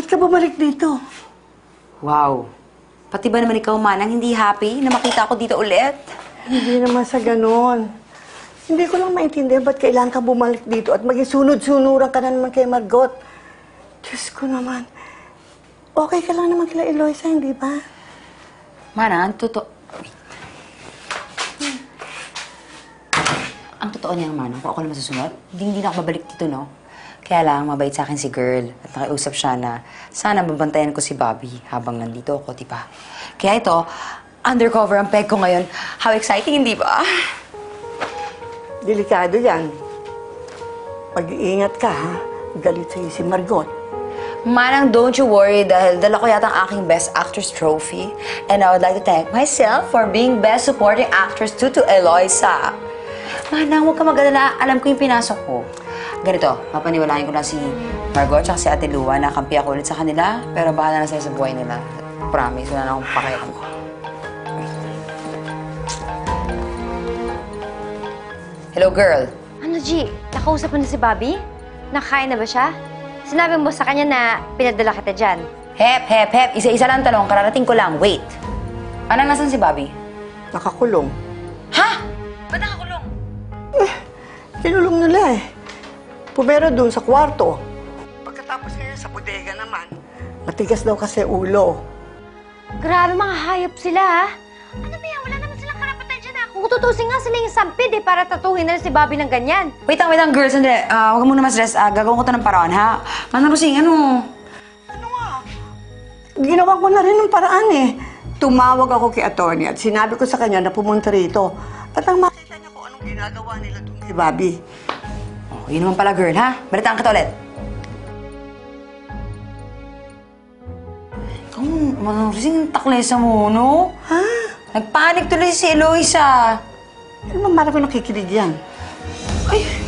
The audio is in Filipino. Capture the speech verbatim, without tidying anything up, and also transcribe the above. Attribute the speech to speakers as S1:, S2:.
S1: ka bumalik dito?
S2: Wow. Pati ba naman ikaw, Manang, hindi happy na makita ako dito ulit?
S1: Hindi naman sa ganon. Hindi ko lang maintindihan ba't kailangan ka bumalik dito at maging sunod-sunuran ka na naman kay Margot. Diyos ko naman. Okay ka lang naman kila Eloisa, hindi ba?
S2: Manang, ang totoo... Wait. Hmm. Ang totoo niyang, Manang, kung ako na masusunod, hindi, hindi na ako babalik dito, no? Kaya lang, mabait sa akin si girl at nakiusap siya na sana mabantayan ko si Bobby habang nandito ako, di ba? Kaya ito, undercover ang peg ko ngayon. How exciting, hindi ba?
S1: Delikado yan. Mag-iingat ka, ha? Galit sa'yo si Margot.
S2: Manang, don't you worry dahil dala ko yata ang aking Best Actress trophy. And I would like to thank myself for being Best Supporting Actress to to Eloisa. Manang, huwag ka mag-alala. Alam ko yung pinasok ko. Ganito, papaniwalain ko na si Margot at si Ate Lua na kampi ako ulit sa kanila. Pero bahala na sila sa buhay nila. Promise, wala na akong pakialam ko. Hello, girl.
S3: Ano, G? Nakausap mo na si Bobby? Nakakain na ba siya? Sinabi mo sa kanya na pinadala kita dyan.
S2: Hep, hep, hep. Isa-isa lang tanong. Kararating ko lang. Wait. Anong nasan si Bobby?
S1: Nakakulong.
S2: Ha? Ba't nakakulong?
S1: Eh, kinulong nila eh. Pumero dun sa kwarto. Pagkatapos ngayon sa bodega naman, matigas daw kasi ulo.
S3: Grabe, mga hayop sila, ha? Ano ba yan? Wala naman silang karapatan dyan, ha? Kung tutusin nga sila yung sampid, eh, para tatuhin na si Bobby ng ganyan.
S2: Wait lang, wait lang, girls. Sandali. Uh, huwag muna mas-stress. Uh, gagawin ko to ng paraan, ha? Manang Rosing, ano?
S1: Ano nga? Ginawa ko na rin ng paraan eh. Tumawag ako kay attorney at sinabi ko sa kanya na pumunta rito. At ang makita niya kung anong ginagawa nila doon kay Bobby.
S2: Oh, yun naman pala, girl, ha? Balitaan kita ulit. Ikaw, Manang Rosing, taklesa mo, no?
S1: Ha?
S2: Nagpanik tuloy si Eloisa.
S1: Ano naman marami nakikinig yan?
S2: Ay,